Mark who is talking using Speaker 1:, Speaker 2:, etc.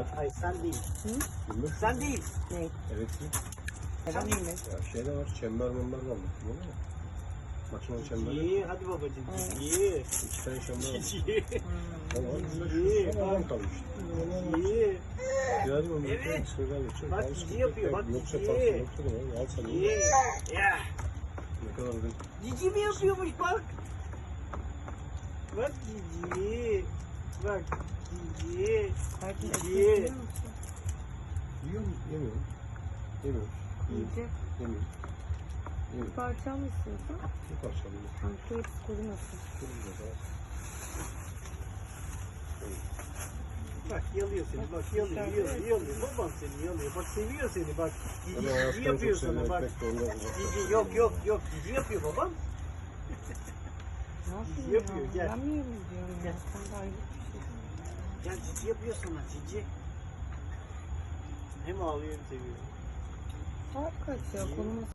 Speaker 1: Hayır sen değil.
Speaker 2: Bilmem.
Speaker 1: Sen değil.
Speaker 3: Ne?
Speaker 2: Evet ki.
Speaker 1: Sen değil mi?
Speaker 2: Ya şey de var, çember mamber var. Değil mi? Makine çemberi.
Speaker 1: İyi hadi babacığım. İyi.
Speaker 2: 2 tane çember var.
Speaker 1: İyi.
Speaker 2: Tamam,
Speaker 1: İyi.
Speaker 2: şu an kalmış.
Speaker 1: İyi.
Speaker 2: Geldi mi?
Speaker 1: Evet. Bak,
Speaker 2: Bak
Speaker 1: cici yapıyor, bak,
Speaker 2: Yoksa
Speaker 1: cici.
Speaker 2: kalsın, yoksa da al sana.
Speaker 1: İyi. Ya.
Speaker 2: Ne kadar da
Speaker 1: Cici mi yapıyormuş bak. Bak cici. Bak cici.
Speaker 3: Belki
Speaker 1: Cici.
Speaker 3: ekmek yiyor musun?
Speaker 2: yiyor mu? Yemiyorum. Yemiyorum.
Speaker 3: Yiyecek.
Speaker 2: Yemiyorum.
Speaker 3: Bir
Speaker 2: Yemiyorum.
Speaker 3: parça mı istiyorsun?
Speaker 2: Bir parça alayım.
Speaker 3: Kanka hepsi kurumasın.
Speaker 1: Bak yalıyor seni, bak yalıyor. Babam seni yalıyor. Bak seviyor seni bak.
Speaker 2: Ama
Speaker 1: Cici
Speaker 2: hayattan
Speaker 1: yapıyor
Speaker 2: çok
Speaker 1: sana
Speaker 2: sevmek
Speaker 1: bak.
Speaker 2: bekle, ondan uzaklaştım.
Speaker 1: Cici yok. Cici yapıyor babam.
Speaker 3: Ne yapayım
Speaker 1: Cici yapıyor,
Speaker 3: ya?
Speaker 1: gel.
Speaker 3: Ben mi yiyeyim diyorum ya?
Speaker 1: Gel.
Speaker 3: Sen de ayrı bir şey.
Speaker 1: Gel cici yapıyor sana cici. Hem ağlıyor hem seviyor.
Speaker 3: Saat kaç ya? Konumuz